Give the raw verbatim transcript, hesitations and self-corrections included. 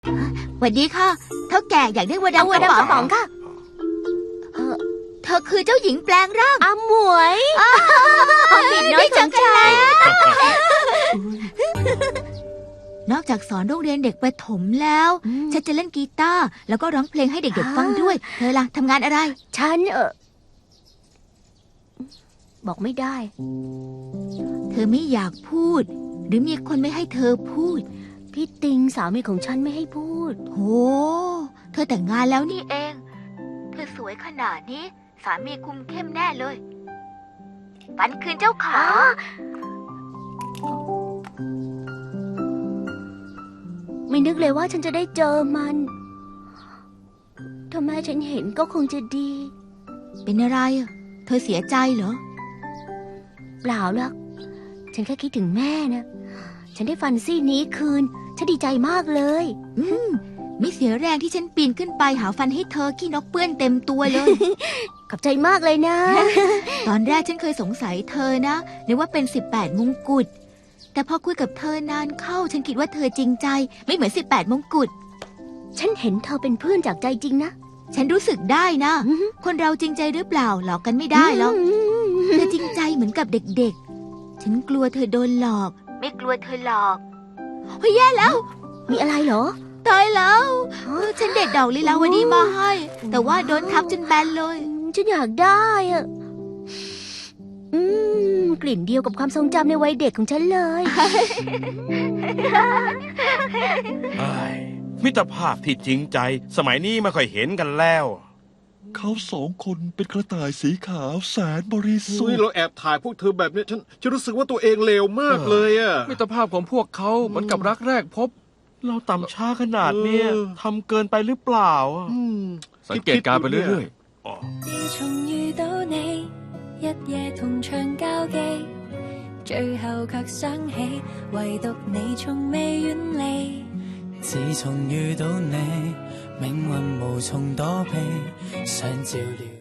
สวัสดีค่ะเท่าแก่อยากได้วัวดำวัวดำกระป๋องค่ะเออเธอคือเจ้าหญิงแปลงร่างอาหมวยปิดน้อยของใจนอกจากสอนโรงเรียนเด็กประถมแล้วฉันจะเล่นกีตาร์แล้วก็ร้องเพลงให้เด็กๆฟังด้วยเธอล่ะทำงานอะไรฉันเออบอกไม่ได้เธอไม่อยากพูดหรือมีคนไม่ให้เธอพูดพี่ติงสามีของฉันไม่ให้พูดโหเธอแต่งงานแล้วนี่เองเธอสวยขนาดนี้สามีคุมเข้มแน่เลยฝันคืนเจ้าขาไม่นึกเลยว่าฉันจะได้เจอมันถ้าแม่ฉันเห็นก็คงจะดีเป็นอะไรเธอเสียใจเหรอเปล่าหรอกฉันแค่คิดถึงแม่นะฉันได้ฟันซี่นี้คืนฉันดีใจมากเลยอืมไม่เสียแรงที่ฉันปีนขึ้นไปหาฟันให้เธอขี้นกเปื้อนเต็มตัวเลยขอบใจมากเลยนะตอนแรกฉันเคยสงสัยเธอนะนึกว่าเป็นสิบแปดมงกุฎแต่พอคุยกับเธอนานเข้าฉันคิดว่าเธอจริงใจไม่เหมือนสิบแปดมงกุฎฉันเห็นเธอเป็นเพื่อนจากใจจริงนะฉันรู้สึกได้นะคนเราจริงใจหรือเปล่าหลอกกันไม่ได้หรอกเธอจริงใจเหมือนกับเด็กๆฉันกลัวเธอโดนหลอกไม่กลัวเธอหลอกเฮ้ยแย่แล้วมีอะไรเหรอตายแล้วฉันเด็ดดอกลีลาวดีมาให้แต่ว่าโดนทับจนแบนเลยฉันอยากได้อะอืมกลิ่นเดียวกับความทรงจำในวัยเด็กของฉันเลยมิตรภาพที่จริงใจสมัยนี้ไม่ค่อยเห็นกันแล้วเขาสองคนเป็นกระต่ายสีขาวแสนบริสุทซุยธิ์เราแอบถ่ายพวกเธอแบบนี้ฉันฉันรู้สึกว่าตัวเองเลวมากเลยอะมิตรภาพของพวกเขาเหมือนกับรักแรกพบเราต่ำช้าขนาดเนี้ยทำเกินไปหรือเปล่าสังเกตการไปเรื่อยๆ自從遇到你一夜同場交記最後卻想起唯獨你從未遠離自從遇到你命運無從躲避想照料